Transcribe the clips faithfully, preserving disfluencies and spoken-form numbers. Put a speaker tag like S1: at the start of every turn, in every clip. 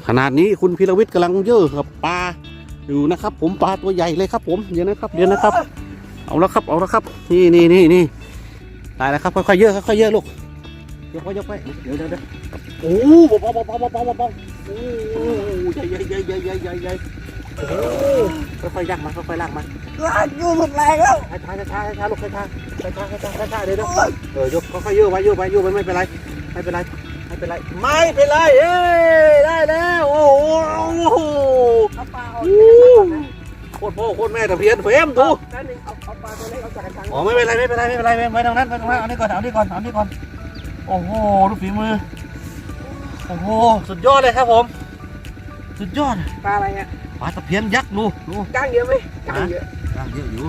S1: ขนาดนี้คุณพีรวิทย์กำลังเยอะกับปลาอยู่นะครับ ผมปลาตัวใหญ่เลยครับผมเดี๋ยวนะครับเดี๋ยวนะครับเอาละครับเอาละครับนี่นี่นี่นี่ตายแล้วครับค่อยๆเยอะค่อยๆเยอะลูกยกไปยกไปเดี๋ยวเดี๋ยวเดี๋ยวโอ้โหเบาเบาเบาเบาเบาเบาโอ้ใหญ่ใหญ่ใหญ่ใหญ่ใหญ่ใหญ่ใหญ่โอ้ค่อยๆยักมาค่อยๆลากมา
S2: ลากอยู่หมดแรงแล้ว
S1: ช้าช้าช้าช้าลูกช้าช้าช้าช้าช้าช้าช้าเดี๋ยวเออยกค่อยๆเยอะไว้เยอะไว้เยอะไว้ไม่เป็นไรไม่เป็นไรไม่เป็นไรไม่เป็นไรเอ้ได้แล้วโอ้โห
S2: เอาปลาออกจากกระชังก่อนนะ
S1: โคตรพ่อโคตรแม่ตะเพียนเฟมดู
S2: นั่นเองเอาเอาปลาตัวเล็กออกจากกระชัง
S1: อ๋อไม่เป็นไรไม่เป็นไรไม่เป็นไรไม่ตรงนั้นไม่ตรงนั้นเอานี่ก่อนเอานี่ก่อนเอานี่ก่อนโอ้โหดูฝีมือโอ้โหสุดยอดเลยครับผมสุดยอด
S2: ปลาอะไรอ่ะ
S1: ปลาตะเพียนยักษ์ดูดู
S2: ก้างเยอะไหมก้างเยอะ
S1: ก้างเยอะอยู่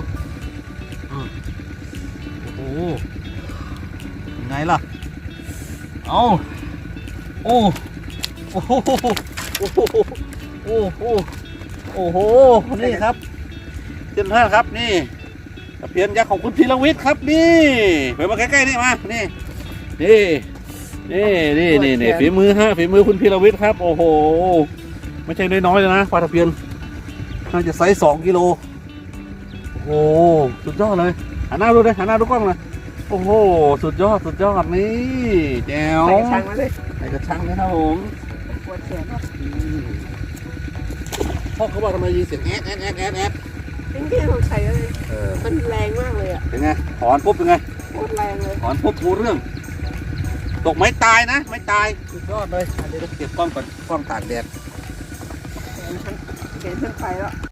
S1: โอ้โหยังไงล่ะเอาโอ้โอ้โหโอ้โหโอ้โหโอ้โหนี่ครับเจ้าท่านครับนี่ตะเพียนยักษ์ของคุณพีรวิทย์ครับนี่ไปมาใกล้ๆนี่มานี่นี่นี่นี่นี่นี่ฝีมือฮะฝีมือคุณพีรวิทย์ครับโอ้โหไม่ใช่น้อยๆเลยนะปลาตะเพียนน่าจะไซส์สองกิโลโอ้โหสุดยอดเลยหันหน้าดูเลยหันหน้าดูกล้องเลยโอ้โหสุดยอดสุดยอดนี่แจ๋ว
S2: ใส่กระชังมาเลย
S1: ใส่กระชังเลยครับผม
S2: ปวดแขนเนาะ
S1: พ่อเขาบอกทำไมยินเสียงแอดแอดแอดแอดแอด
S2: จริงๆผมใส่เลยมันแรงมากเลยอ่ะ
S1: เป็นไงถอนปุ๊บเป็นไง
S2: โคตรแรงเลย
S1: ถอนปุ๊บรู้เรื่องตกไม่ตายนะไม่ตายสุดยอดเลยเดี๋ยวเก็บกล้องก่อนกล้องตากแดด
S2: แขนฉันแขนฉันไปแล้ว